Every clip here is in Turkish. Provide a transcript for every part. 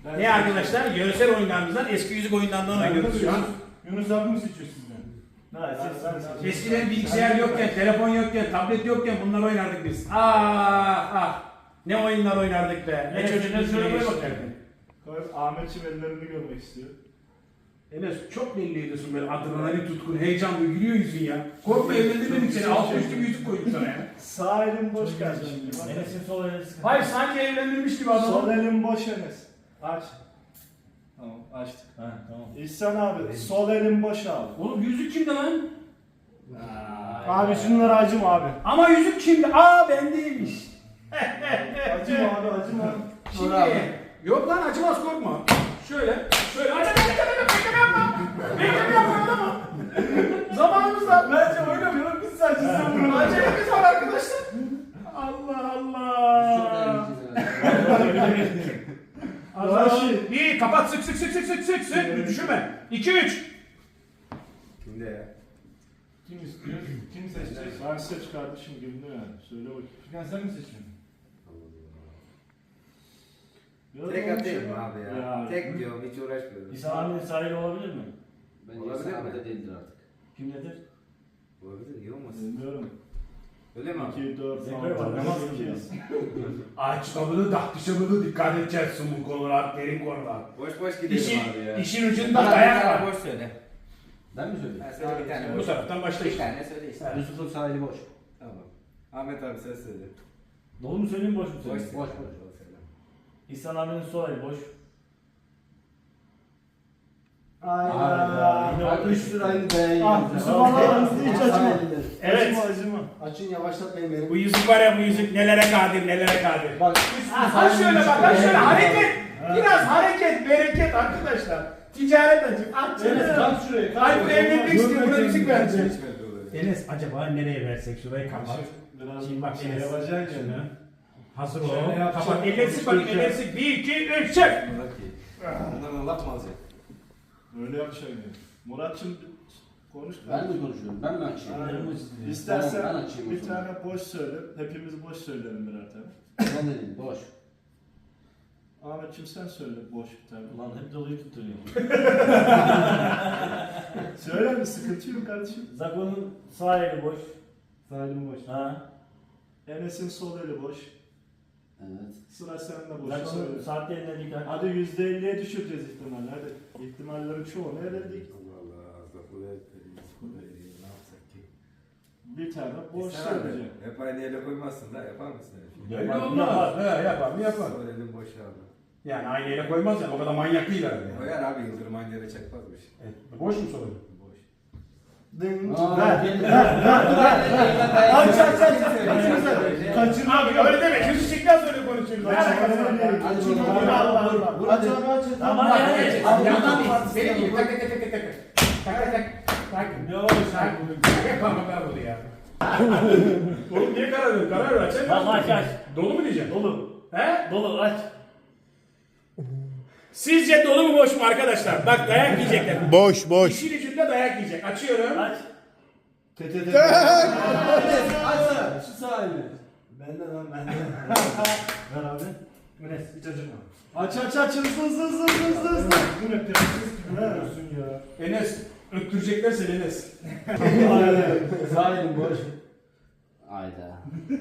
Ne arkadaşlar? Yöresel oyunlarımızdan eski yüzük oyunlarından oynuyoruz şu an. Yunus abi mi seçiyor sizden? Eskiden bilgisayar yokken, telefon yokken, tablet yokken bunlar oynardık biz. Ah ah. Ne oyunlar oynardık be. Ne çocuklar şöyle koy bakalım. Ahmetciğim ellerini görmek istiyor. Enes çok belli ediyorsun böyle adrenalin tutkun, heyecanlı gülüyor yüzün ya. Korkma evlendirmedik seni. Alt üstü bir yüzük koyduk sana ya. Sağ elin boş kardeşim. Enes'in sol eli sıkıntı. Hayır sanki evlendirmiş gibi adam. Sol elin boş Enes. Aç. Tamam açtık. Ha tamam. İhsan abi sol elin boş abi. Oğlum yüzük kimde lan? Abi şunları acıma abi. Ama yüzük kimde? Aa bendeymiş. Acıma abi acıma. Şimdi yok lan acımaz korkma. Şöyle bekleme yapma. Bekleme yapma adamı. Zamanımız var. Bence oynamıyorum biz sadece bunu. Acelemiz var arkadaşlar. Allah Allah. Raşit. Bir kapat sık düşürme. 2 3. Kimde ya? Kim istiyor? Kim seçecek? Ben seç kardeşim güldü yani. Söyle bakayım. Furkan sen mi seçiyorsun? Tek atayım mı abi ya? Tek diyorum hiç uğraşmıyorum. İsa abinin sahili olabilir mi? Bence Olabilir İsa abi mi? de değildir artık. Kim nedir? Olabilir iyi olmasın. Bilmiyorum. Öyle mi abi? 2, 4, Zekre var, namaz kılıyor. Açmalı dışamalı dikkat edeceksin bu konular, derin konular. Boş boş gidelim abi ya. İşin ucunda dayak var. Boş söyle. Ben mi söyleyeyim? Ha, söyle bir tane Bu boş. taraftan başla Bir işte. tane söyle işte. Yusuf'un sahili boş. Tamam. Ahmet abi sen söyle. Dolu mu söyleyeyim boş mu Boş söyleyeyim? söyle. Boş boş. söyle. İhsan abinin sol eli boş. Ayda. Yine Bak oldu. 3 liraydı be. Ah Yusuf Allah'ınızı hiç acıma. Evet. Acıma. Açın yavaşlatmayın beni. Bu yüzük var ya bu yüzük nelere kadir nelere kadir. Bak Ha şöyle bak ha şöyle hareket. Biraz hareket bereket arkadaşlar. Ticaret açık. At Enes canım. kalk şuraya. Ay bu evlilik istiyor buna müzik verecek. Hiçbir dolayı. Enes acaba nereye versek şurayı kapat. Biraz Şimdi bak şey Enes. yapacaksın Şunu. ya. Hazır Şöyle ol. yapacak. Kapat. Ellersik bakayım ellersik. 1 2 3 çek. Murat iyi. Bundan laf mı alacak? Öyle yapacaksın yani. Murat'cığım konuş. Ben mi konuşuyorum? Ben mi açayım? Aynen. Ben İstersen açayım o bir zaman. tane boş söyle. Hepimiz boş söyleyelim birer tane. Ben dedim boş. Ahmetciğim sen söyle boş bir tane. Ulan hep doluyu tutturuyor. Söyle mi? Sıkıntı yok kardeşim. Zako'nun sağ eli boş. Salim boş. Ha. Enes'in sol eli boş. Evet. Sıra sende boş. Zako'nun Söyle. saatte eline dikkat. Hadi %50'ye düşüreceğiz ihtimalle. Hadi. İhtimallerin çoğunu eledik. Allah Allah. Zakula ne yapsak ki? Bir tane boş İhsan abi, söyleyeceğim. hep aynı yere koymazsın da yapar mısın öyle şey? Öyle Yapar, olmaz. He yapar mı yapar. Sol elin boş abi. Yani aynı yere koymaz yani o kadar manyak değil herhalde. Yani. Koyar abi Yıldırım aynı yere çakmazmış. Boş mu soruyor? Boş. Dın. Aa, Ver. gelin. Aç aç aç. Kaçırma. Abi öyle deme. Yüzü çıktıktan sonra konuşuyoruz. Ne alakası var? Hadi Kaçırma. bakalım. Allah Allah. Hadi. Tamam Bak, yani. evet. Yandan değil. Benim gibi tak tak tak tak tak. Tak tak tak. Tak. Ne oldu sen? Yapamam ben bunu ya. Oğlum niye karar veriyorsun? Karar ver. Açamıyorsun. Tamam aç aç. Dolu mu diyeceksin? Dolu. He? Dolu aç. Sizce dolu mu boş mu arkadaşlar? Bak dayak yiyecekler. Boş boş. İşin ucunda dayak yiyecek. Açıyorum. Aç. Açsana. Şu sahili. Benden lan benden. Ver abi. Enes hiç acıma. Aç aç aç hızlı. Bu ne prenses gibi yapıyorsun ya. Enes öttürecekler seni Enes. Sahilin boş. Ayda.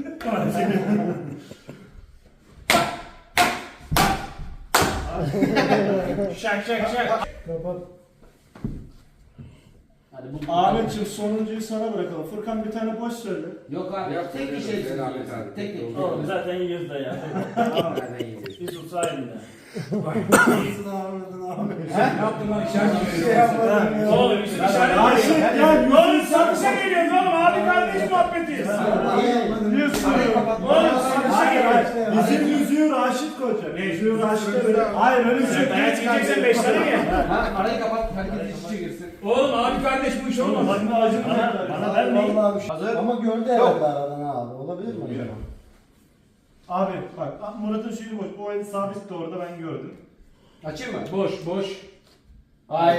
Şak şak şak. Kapat. Hadi bu. Ahmetciğim sonuncuyu sana bırakalım. Furkan bir tane boş söyle. Yok abi. Yok, Tek bir yok, şey yok, söyleyeceksin. abi. Tek tek. Oğlum zaten yiyoruz da ya. Nereden yiyeceğiz? Yusuf sağ elinde. Ne yaptın lan işaret Şey yapmadım ya. Oğlum Yusuf işaret var Raşit ya. gel. Oğlum satışa geliyoruz oğlum. Abi kardeş muhabbetiyiz. Yusuf. Oğlum satışa Hayır geliyoruz. hayır. Bizim yüzüğü Raşit koyacak. Ne? Yüzüğü Raşit'e. Hayır öyle bir şey. Dayak yiyeceksen 5 tane ye. Ha, arayı kapat. Herkes iç içe girsin. Oğlum abi kardeş bu iş Oğlum olmaz. bana acıma. Bana vermeyin. Hazır. Ama gördü herhalde aradan abi. Olabilir mi acaba? Abi bak Murat'ın şeyi boş. O el sabit de orada ben gördüm. Açayım mı? Boş boş. Hayır.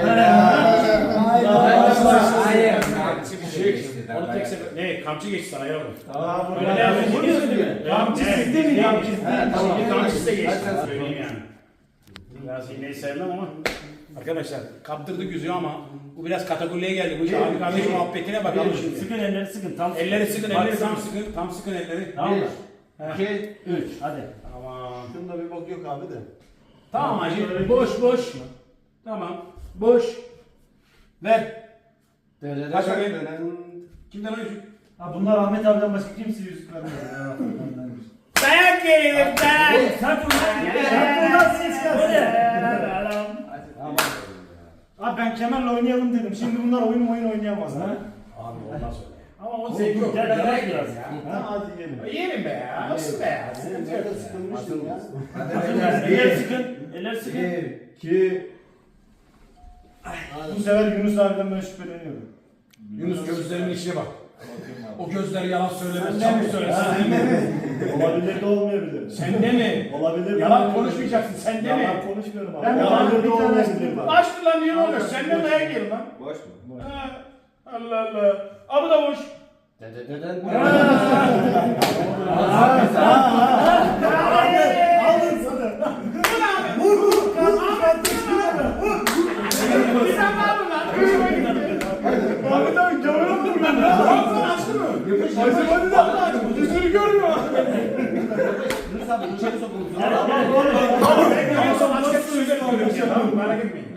Hayır. Onu tek sefer... Ne? Kamçı geçti sana yavrum. Aa Öyle ne yapıyorsun? Kamçı sizde mi? Kamçı He, tamam. Şimdi kamçısı da geçti. Söyleyeyim yani. Biraz hileyi sevmem ama. Arkadaşlar kaptırdık yüzüğü ama bu biraz katakulliye geldi. Bu iş abi kardeşim muhabbetine bakalım şimdi. Sıkın elleri sıkın. Tam Elleri sıkın, Bak, elleri tam sıkın. Tam sıkın elleri. Tamam mı? 2, 3. Hadi. Tamam. Şunda bir bok yok abi de. Tamam hacı. Boş boş. Tamam. Boş. Ver. Kaç bakayım. Kimden o yüzük? Ha bunlar Ahmet abiden başka kimse yüzük vermiyor. Dayak yiyelim dayak. Sen Buradan ses gelsin. Abi ben kemerle oynayalım dedim. Şimdi bunlar oyun oynayamaz ha. Abi olmaz öyle. Ama o Oğlum, zevki yok. gel, Dayak gel biraz biraz. ya. Ha, hadi yiyelim. Yiyelim be ya. Nasıl be ya? Sen nerede sıkılmıştın ya? Eller sıkın. Eller sıkın. 2 Bu sefer Yunus abiden ben şüpheleniyorum. Yunus gözlerinin içine bak. O gözler yalan söylemez. Sen de mi? Çabuk söyle. Ha. Sen de mi? Olabilir de olmayabilir. Sende mi? Olabilir de Yalan olmayabilir. konuşmayacaksın. Sende mi? Yalan konuşmuyorum abi. Ben de Olabilir de bir olmayabilir. Açtı lan niye oluyor? Senden dayak yiyelim lan. Boş mu? Ha, Allah Allah. Abi da boş. Aldın sana. Vur. Kaldır. Sen ne yapıyorsun lan? Hoşuma gitti. Abi tabii camına vur lan. Ağzını açtı mı? Açtı hadi de. Yüzünü görmüyor. Yunus abi içeri sokulur. En son açacak sözler oluyor. Tamam merak etmeyin.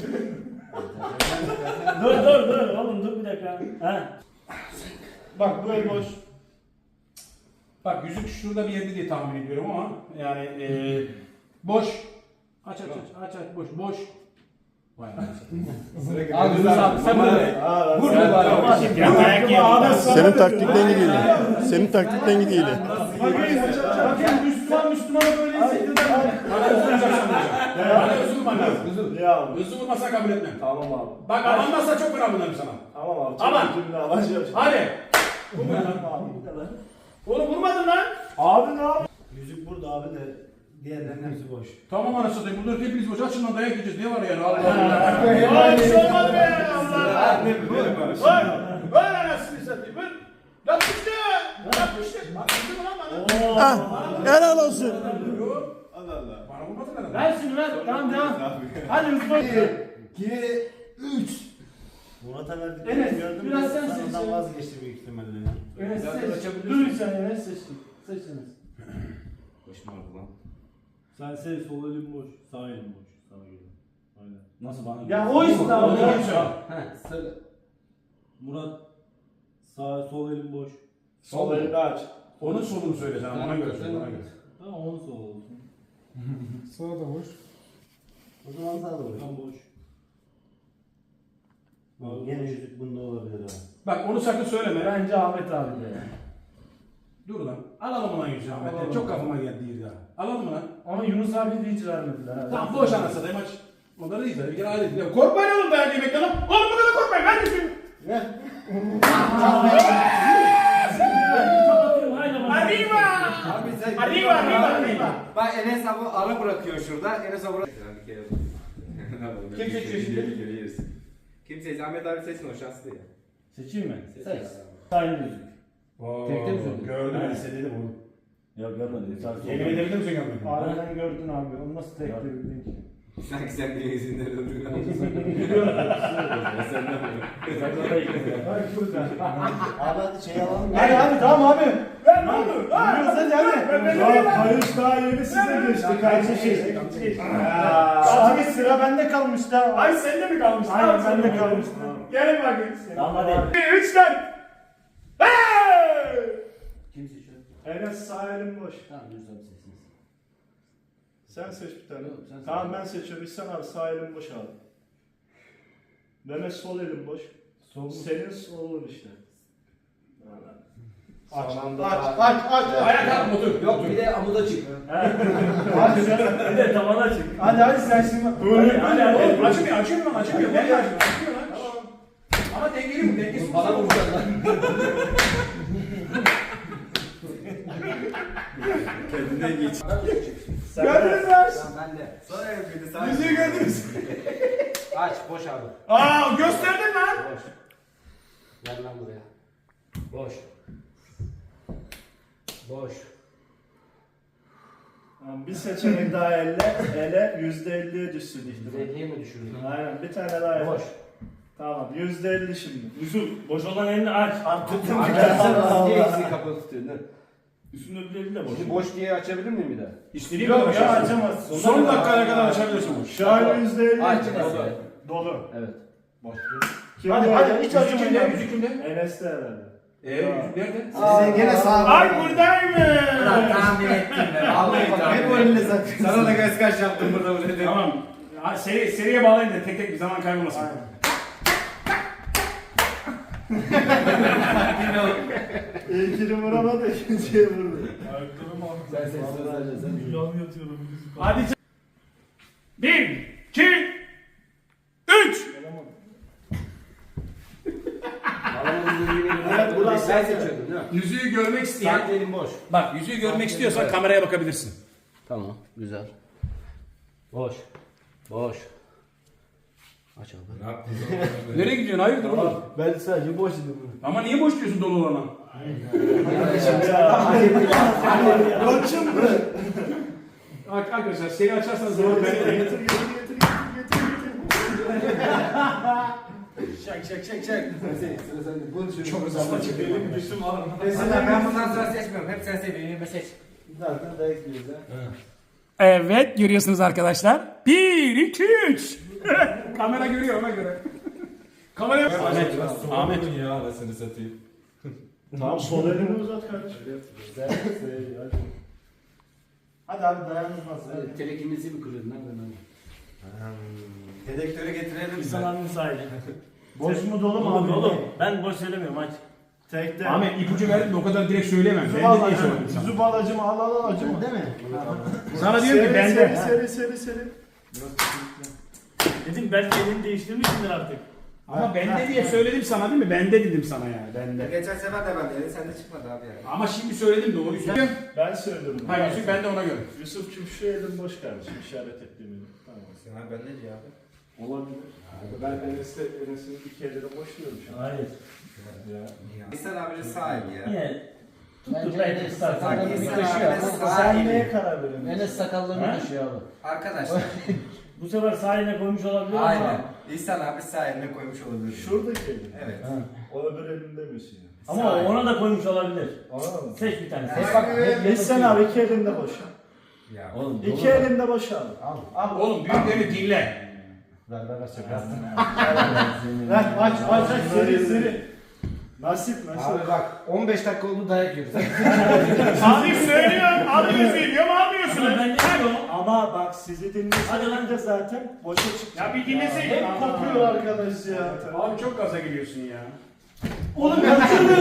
Dur oğlum dur bir dakika. Ha. Bak bu el boş. Bak yüzük şurada bir yerde diye tahmin ediyorum ama yani boş. Aç boş. Vay anasını. Abi Yunus abi sen böyle. Vur bari. Senin taktikten gidiyor. Senin taktikten gidiyor. Bakın Müslümana böyle hissettiler. Bana özür vurman lazım. Ya Özür vurmasa kabul etmem. tamam abi. Bak alanmazsa çok fena bunlarım sana. Tamam abi. Aman. Şimdi alacağım. Hadi. Abi. Oğlum vurmadın lan. Abi ne abi? Yüzük burada abi de diğerlerinin hepsi boş. Tamam anasını satayım. Burada hepimiz boş. Açın lan dayak yiyeceğiz. Ne var yani? Allah Allah. Ay bir şey olmadı be. Allah Allah. Ver anasını satayım. Ver. Yapıştı. Yapıştı mı lan bana? Helal olsun. Allah Allah. Bana vurmadın herhalde. Ver şunu ver. Tamam devam. Hadi Mustafa. 2, 3. Murat'a verdik. Enes, Gördün mü? biraz sen Sonradan seçeceksin. vazgeçti büyük ihtimalle. Enes seç. Dur bir saniye Enes seçtim. Seç Enes. Boş mu oldu lan? Sen sev sol elim boş, sağ elim boş. Sana göre. Aynen. Nasıl bana? Ya o işte abi. Onu kim söyle? He söyle. Murat sağ sol elim boş. Sol elini aç. Onun solunu söyle sen. Ona göre söyle. Ona göre. Tamam onun sol olsun. Sağ da boş. O zaman sağ da boş. Tam boş. Gene yüzük bunda olabilir abi. Bak onu sakın söyleme. Bence Ahmet abi de. Dur lan. Alalım lan yüzü Ahmet'ten. Çok kafama geldi ya. Alalım mı lan? Ama Yunus abi de hiç vermediler. ha. Tamam boş anasını satayım aç. Onları değil tabii. Bir kere alet. Korkmayın oğlum dayak yemekten lan. Oğlum bu kadar korkmayın. Hadi şimdi. Arriba! Abi sen Arriba. Bak Enes abi ara bırakıyor şurada. Enes abi bir kere. Kim seçiyor şimdi? Bir kere yersin. Kim seçti? Ahmet abi seçsin o şanslı ya. Seçeyim mi? Seç. Aynı yüzük. Tekte mi söyledin? Gördüm ben size dedim onu. Ya görmedim. Yemin edebilir misin görmedin? Harbiden gördün abi. Onu nasıl tek bildin ki? Sanki sen bir izinler öldürdün. Bak burada. Abi hadi şey alalım. Hadi hadi tamam abi. Ben ne oldu? Yürüyoruz hadi. Ya kayış daha yeni size geçti kardeşim. Abi sıra bende kalmıştı. Ay sende mi kalmıştı? Aynen bende kalmıştı. Gelin bakayım. Tamam hadi. 3'ten. Kim seçiyor? Enes sağ elim boş. Tamam Yunus abi seçsin. Sen seç bir tane. Yok, sen seç. Tamam ben seçiyorum. İhsan abi sağ elim boş abi. Mehmet sol elim boş. Senin solun işte. Aç. Ayağa kalk otur. Yok bir de amuda çık. Bir de tavana çık. Hadi sen şimdi. Hadi hadi. Oğlum açmıyor lan. Açmıyor lan. Ama dengeli bu. Dengesiz. Bana vuracak lan. Kendinden geç. Gördünüz mü? Tamam ben de. Sonra yapıyordu sana. Yüzüğü gördünüz. Aç boş abi. Aa gösterdin lan. Boş. Gel lan buraya. Boş. Boş. Bir seçenek daha ele %50'ye düşsün ihtimal. 50'ye mi düşürdün? Aynen bir tane daha ele. Boş. Tamam %50 şimdi. Yusuf boş olan elini aç. Tuttum Arkadaşlar niye ikisini kapalı tutuyorsun? Üstünün öbürleri de boş. Şimdi boş diye açabilir miyim bir daha? İstediğin Yok kadar ya açarsın. açamazsın. Son dakikaya kadar açabilirsin bu. Şu an %50 Aç. dolu. Evet. Kim Hadi bu hadi ele? hiç acımayın ya. Yüzü kimde? Enes'te herhalde. Yüzü nerede? Sizin gene sağ Ay buradaymış. tahmin ettim ben. Vallahi tahmin ettim. Hep önüne zaten. Sana da göz kaç yaptım burada bu dedim. Tamam. Seriye bağlayın da tek tek bir zaman kaybolmasın. İlkini vuramadı, ikinciye vurdu. Sen sen. Hadi. 1, 2, 3. Evet, bu da Sen seçiyordun değil mi? Yüzüğü görmek isteyen. Sanki elim boş. Bak yüzüğü görmek istiyorsan kameraya bakabilirsin. Tamam. Güzel. Boş. Boş. Aç abi. Nereye gidiyorsun? Hayırdır oğlum? Ben sadece boş dedim. Ama niye boş diyorsun dolu olana? Koçum bu. Arkadaşlar seri açarsanız zor. Getir. Çek. Sıra sende. Bunu düşün. Çok hızlı çıkıyor. Mesela ben bundan sonra seçmiyorum. Hep sen seviyorsun. Seç. Zaten dayak yiyoruz ha. Evet görüyorsunuz arkadaşlar. 1, 2, 3. Kamera görüyor ona göre. Kamera Ahmet. ya anasını satayım. Tamam sol elini uzat kardeşim. Hadi abi dayanılmaz. Telekimizi mi kırıyordun? Nereden? Dedektörü getirelim. İnsanların sahili. Boş mu dolu mu abi? Oğlum ben boş söylemiyorum aç. Tekte. Ahmet ipucu verdim de o kadar direkt söyleyemem. Yüzü Ben bal de diye acımı. söyledim sana. Yüzü bal acımı al acımı. Değil mi? Sana diyorum ki bende. Seri. Dedim belki elini değiştirmişsindir artık. Ama bende diye söyledim sana değil mi? Bende dedim sana yani. Bende. Geçen sefer de bendeydi. Sende çıkmadı abi yani. Ama şimdi söyledim doğruyu söyledim. Ben söylüyorum. Ha yüzük bende ona göre. Yusuf'cum şu elin boş kardeşim işaret ettiğimi. Tamam. Sen abi bende diyor abi. Olabilir. Ben Enes'in iki elini boş diyorum şu an. Hayır. İhsan abinin sağ eli ya. Niye? Bence Tuttur belki Enes istersen. sakallarını İhsan taşıyor. abinin ama sağ Sen eli. neye karar veriyorsun? Enes sakallarını taşıyor abi. Arkadaşlar. Bu sefer sahiline koymuş olabilir ama. Aynen. İhsan abi sağ eline koymuş olabilir. Şuradaki elin. Evet. O öbür elinde misin ya? Ama ona da koymuş olabilir. Anladın mı? Seç bir tane. Ya. Seç. Bak hep İhsan abi iki elinde boş. Ya. Oğlum. İki elinde boş abi. Oğlum büyüklerini dinle. Ver aç seri. Nasip. Abi bak 15 dakika oldu dayak yiyoruz. Abi söylüyorum. Alıyorsun diyor mu almıyorsunuz? Ben ne diyorum? Ama bak sizi Hadi dinleseydim lan. de zaten boşa çıktı. Ya bir dinleseydin. Hep kopuyor arkadaş ya. Abi çok gaza geliyorsun ya. Oğlum kaçırdı.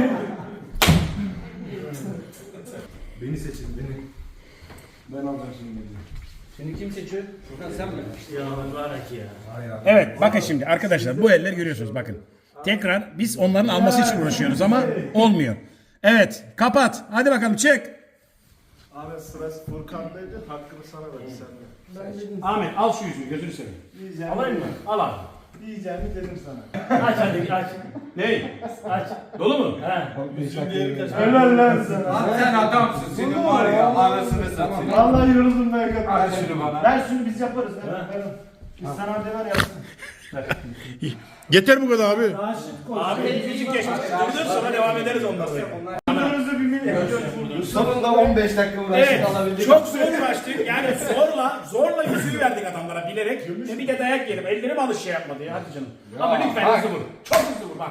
Beni seçin beni. Ben alacağım şimdi. Şimdi kim seçiyor? Furkan sen mi? Ya mübarek ya. Evet bakın şimdi arkadaşlar bu eller görüyorsunuz bakın. Tekrar biz onların alması için uğraşıyoruz ama olmuyor. Evet kapat. Hadi bakalım çek. Abi sırası Furkan'daydı. Hakkını sana ver sen de. Ahmet al şu yüzünü gözünü seveyim. Diyeceğim. Alayım mı? Al abi. Diyeceğimi dedim sana. Aç hadi aç. Ney? Aç. Dolu mu? He. Helal lan sana. Abi sen adamsın. Senin var ya. Anasını satayım. Vallahi yoruldum ben kadar. Ver şunu bana. Ver şunu biz yaparız. Ver. Biz sana hadi ver yapsın. Yeter bu kadar abi. Abi müzik geçmiş. Dur sonra devam ederiz ondan sonra. Bunlarınızı bilmeyin. Sonunda 15 dakika uğraştık Evet, alabildik. çok zor uğraştık. Yani zorla yüzüğü verdik adamlara bilerek. Bir de dayak yedim. Ellerim alış şey yapmadı ya. Hadi canım. Ama lütfen hızlı vur. Çok hızlı vur bak.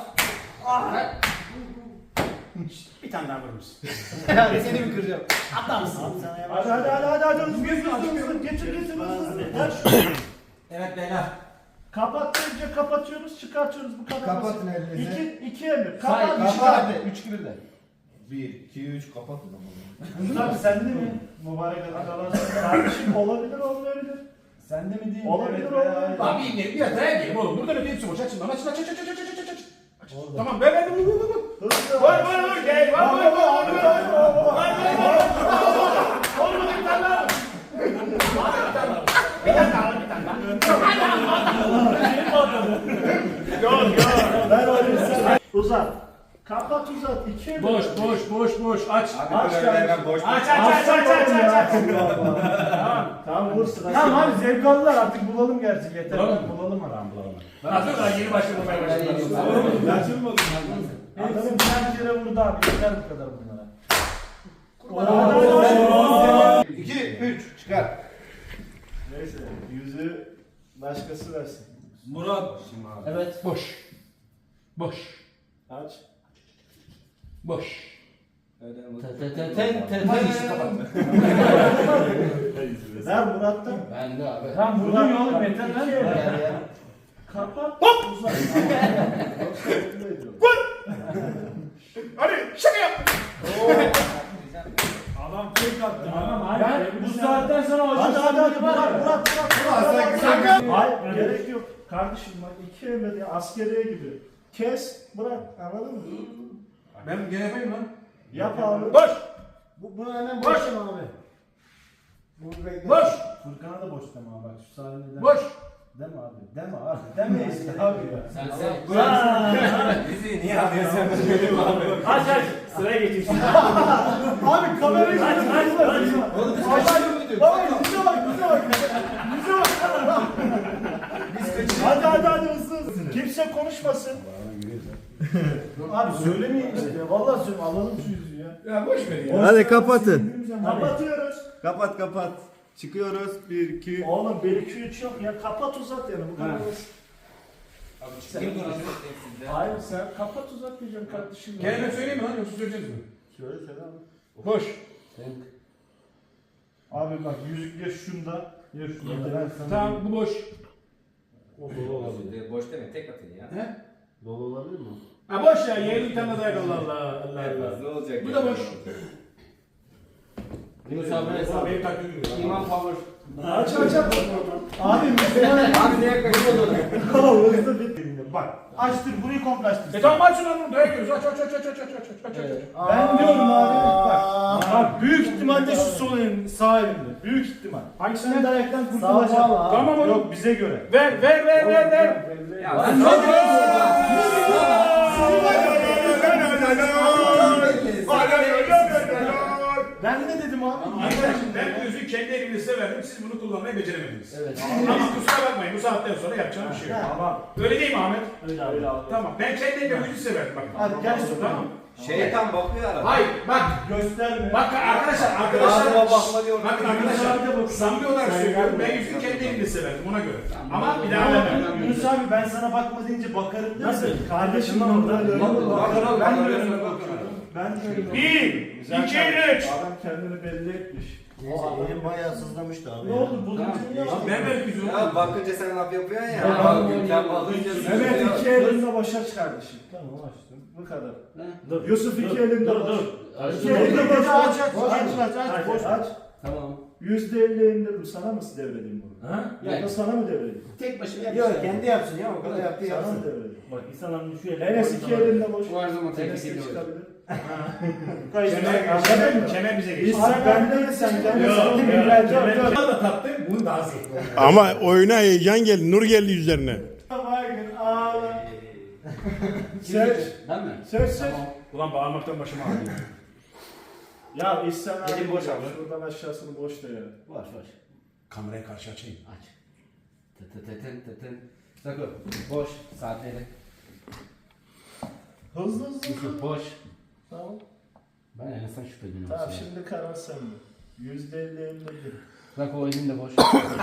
Bir tane daha vurur musun? Seni mi kıracağım? Hadi. Hızlı. Getir hızlı. Ver şunu. Evet beyler. Kapatınca kapatıyoruz, çıkartıyoruz bu kadar. Kapatın basit. elinizi. İki emir. Say, Kapat, kapat. çıkart. 3 gibi de. 1, 2, 3 kapat o zaman. Yusuf abi sende mi? Mübarek adam. Kardeşim olabilir olmayabilir. Sende mi değil? Olabilir olmayabilir. Abi inlerim biraz dayak yedim oğlum. Buradan öte hepsi boş. Aç şimdi. Aç. Tamam böyle. Hızlı. Vur. Gel. Vur. Olmadı bir tane daha. Ver oğlum sen. Uzat. Kapat uzat. 2 Boş boş boş boş aç. Abi böyle ben boş. Aç aç aç aç aç. Tamam vur sıra. Tamam abi zevk aldılar artık bulalım gerçi yeter. Bulalım mı? Bulalım bulalım. Hazır da yeni başlamaya başladı. Açılmadı. Hepsi birer kere vurdu abi yeter bu kadar bunlara. 2, 3 çıkar. Neyse yüzü başkası versin. Murat. Evet. Boş. Boş. Aç. Boş. Ver Murat'tan. Ben de abi. Tamam vurdun ya oğlum yeter lan. Kapat. Hop. Uzat. Hadi şaka yap. Adam tek attı. Tamam abi. Ben bu saatten sonra hocam Hadi Murat. Hayır Gerek gerek yok. Kardeşim bak 2 emre diye askeriye gibi. Kes bırak anladın mı? Ben gene yapayım lan. Yap abi. Boş. Bunu hemen Boş. boşum abi. Boş. Furkan'a da boş deme abi bak şu sahne deme. Boş. Deme abi. Deme abi. Demeyiz abi ya. Sen. Bizi niye alıyorsun? Aç aç. Sıraya geçin şimdi. Abi kamerayı Aç aç. Oğlum biz kaçıyor muyduk? Baba yüze bak. Hadi hızlı. Kimse konuşmasın. Abi söylemeyin işte. Vallahi söyle alalım şu yüzüğü ya. Ya boş ver ya. Hadi kapatın. Kapatıyoruz. Kapat. Çıkıyoruz. 1, 2. Oğlum 1 2 3 yok ya. Kapat uzat yani bu kadar basit. Kim konuşuyor hepsinde? Hayır sen kapat uzat diyeceğim kardeşim. Kelime söyleyeyim mi lan yoksa söyleyeceğiz mi? Söyle abi. Boş. Abi bak yüzük ya şunda ya şunda. Tamam bu boş. Boş deme tek atın ya. He? Dolu olabilir mi? Ha boş ya yeğenim bir tane daha yok Allah Allah. Allah Allah. Ne olacak? Bu da boş. Yunus abi Abi benim taktiğim gibi. İman Power. Aç. Abi Abi neye kaçıyorsun? hızlı bir. Bak açtır burayı komple açtır. Tamam aç şunu lan dayak yiyoruz. Aç. Ben diyorum abi. Bak büyük ihtimalle şu sol elin sağ elinde. Büyük ihtimal. Hangisinden dayaktan kurtulacak? Tamam oğlum. Yok bize göre. Ver. Ya ben ne Ben ne dedim abi? Arkadaşım ben bu yüzüğü kendi elimle size verdim. Siz bunu kullanmayı beceremediniz. Evet. Ama kusura bakmayın bu saatten sonra yapacağım bir şey yok. Tamam. Öyle değil mi Ahmet? Öyle abi. Tamam. Ben kendi elimle bu yüzüğü size verdim. Bakın. Hadi gel şu Tamam. Şeytan bakıyor arada. Hayır bak. Gösterme. Bak arkadaşlar. Ağzıma bakma diyor. Bakın arkadaşlar. Samimi olarak söylüyorum. Ben yüzüğü kendi elimle size verdim ona göre. Ama bir daha vermem. Yunus abi ben sana bakma deyince bakarım değil mi? Nasıl? Kardeşim orada öyle. Ben de öyle bakıyorum. Ben de öyle. 1, 2, 3. Adam kendini belli etmiş. Elim bayağı sızlamıştı abi. Ne oldu? Buldun mu ya? Ben verdim yüzüğü. Ya bakınca sen laf yapıyorsun ya. Ya, Bakınca bakınca Evet iki elinle başa çık kardeşim. Tamam açtım. Bu kadar. Dur. Yusuf iki elinde Dur boş. dur. İki elinde boş. Aç Aç. boş aç. Tamam. %50 indirdim. Sana mı devredeyim bunu? Ha? Ya da sana mı devredeyim? Tek başına yapsın. Yok kendi yapsın ya o kadar yaptı Sana yapsın. mı devredeyim? Bak İhsan'ın şu eli. Enes iki elinde boş. Bu her zaman tek Enes de eliyle çıkabilir. Kemer bize geçti. İhsan bende sen bende Yok, sana yok, bilgiler. Bunu da tattım, bunu daha zevkli. Ama oyuna heyecan geldi. Nur geldi yüzlerine. Baygın ağla. Seç. Ben mi? Seç. Ulan bağırmaktan başım ağrıyor. Ya İhsan abi. Elim boş abi. Şuradan aşağısını boş da ya. Var. Kamerayı karşı açayım. Aç. Tın. Sakın. Boş. Saatleri. Hızlı. Yusuf boş. Tamam. Ben en azından şüpheliyim. Tamam şimdi karar sende. %50 elinde bir. Bak o elim de boş.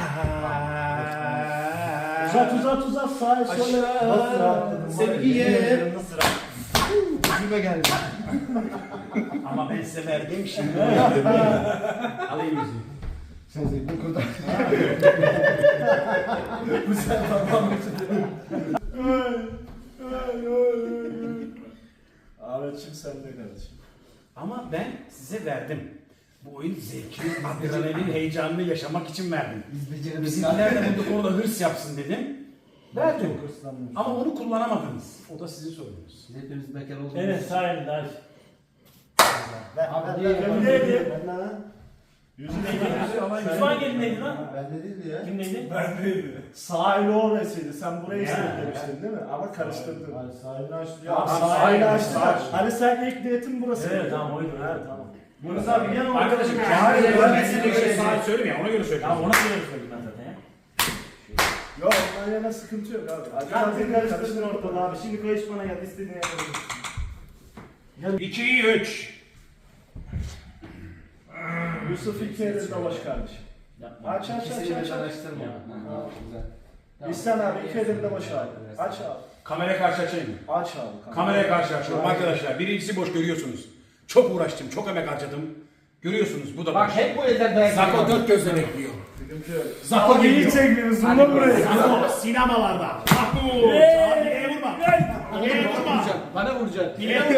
Uzat sağa sola. Nasıl rahatladın? Sevgiye. Nasıl rahatladın? Ucuma geldi. Ama ben size verdiğim şimdi. Alayım yüzüğü. Sen zevkini kurtar. Ahmetciğim sen de kardeşim. Ama ben size verdim. Bu oyun zevkini, adrenalin, heyecanını yaşamak için verdim. Biz beceremedik. Bizimkiler de bu konuda hırs yapsın dedim. Verdim. Ama onu kullanamadınız. O da sizin sorunuz. Biz hepimiz bekar olduk. Evet sağ elinde aç. Abi Neydi? Yüzü neydi? Osman elindeydi lan. Bende değildi ya. Kimdeydi? Sağ eli orasıydı. Sen burayı demiştin değil mi? Ama karıştırdın. Hayır sahibini açtı. Ya sahili açtılar. Hani sen ilk niyetin burası. Evet tamam oydu. Evet tamam. Yunus abi gene Arkadaşım Hayır, kendine ben ben size size bir şey saat söyleyeyim ya ona göre söyleyeyim. Tamam ona göre söyledim ben zaten ya. Yok ondan yana sıkıntı yok abi. Hadi sen karıştırdın ortalığı abi. Şimdi koy bana gel istediğini yapabilirsin. 2'yi 3. Yusuf ilk elinde baş kardeşim. Yapma. Aç aç aç İkisini aç. de aç. araştırma. Ha, güzel. Tamam. İhsan abi ilk elinde baş abi. Aç abi. Kameraya karşı açayım mı? Aç abi. Kameraya karşı açıyorum arkadaşlar. Birincisi boş görüyorsunuz. Çok uğraştım, çok emek harcadım. Görüyorsunuz bu da Bak boş. hep bu elden dayak Zako yiyor. dört gözle bekliyor. Sıkıntı yok. Zako Abi iyi geliyor. çekiyoruz. Bunu buraya. Zako sinemalarda. Zako. Sahneye vurma. Sahneye vurma. Bana vuracaksın.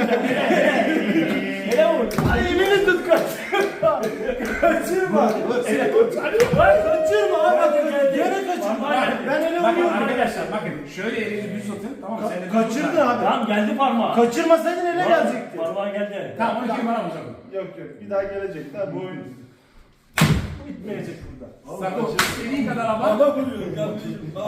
Hele vur. Ay elini tut kaçırma. Kaçırma. Kaçırma abi. Gene kaçırma. Ben ele Bakın vuruyorum. arkadaşlar bakın şöyle elinizi düz tutun tamam mı? Sen de düz Kaçırdı tut. abi. Tamam geldi parmağı. Kaçırmasaydın ele gelecekti. Parmağı geldi. Tamam onu kim bana vuracak? Yok yok bir daha gelecek. Daha bu oyun bitmeyecek burada. Zako istediğin kadar abart.